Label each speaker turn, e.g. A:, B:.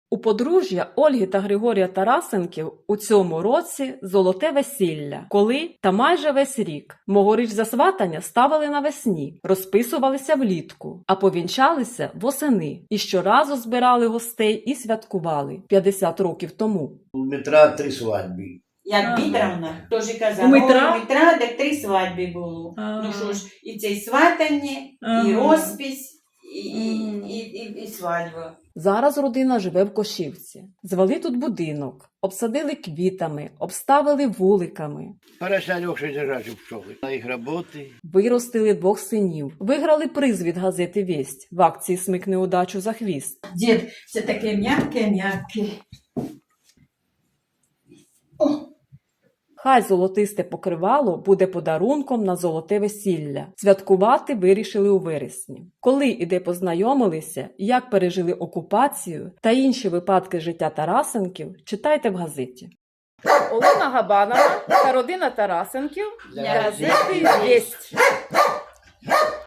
A: У подружжя Ольги та Григорія Тарасенків у цьому році золоте весілля. Коли? Та майже весь рік. Могоріч засватання ставили навесні, розписувалися влітку, а повінчалися восени. І щоразу збирали гостей і святкували 50 років тому.
B: У Дмитра 3 свадьби.
C: Як Бідравна, теж казала,
A: У Дмитра?
C: у Дмитра так 3 свадьби було.
A: Ага.
C: Ну що ж, і це і сватання, і
A: Ага.
C: розпись, і свадьба.
A: Зараз родина живе в Кошівці. Звели тут будинок, обсадили квітами, обставили вуликами.
B: Хорошо Леша держать у пчоли. На їх роботи.
A: Виростили 2 синів. Виграли приз від газети «Вість» в акції «Смикни удачу за хвіст».
C: Дід, це таке м'яке.
A: Хай золотисте покривало буде подарунком на золоте весілля. Святкувати вирішили у вересні. Коли і де познайомилися, як пережили окупацію та інші випадки життя Тарасенків, читайте в газеті. Олена Габанова та родина Тарасенків
C: для газети «Вість».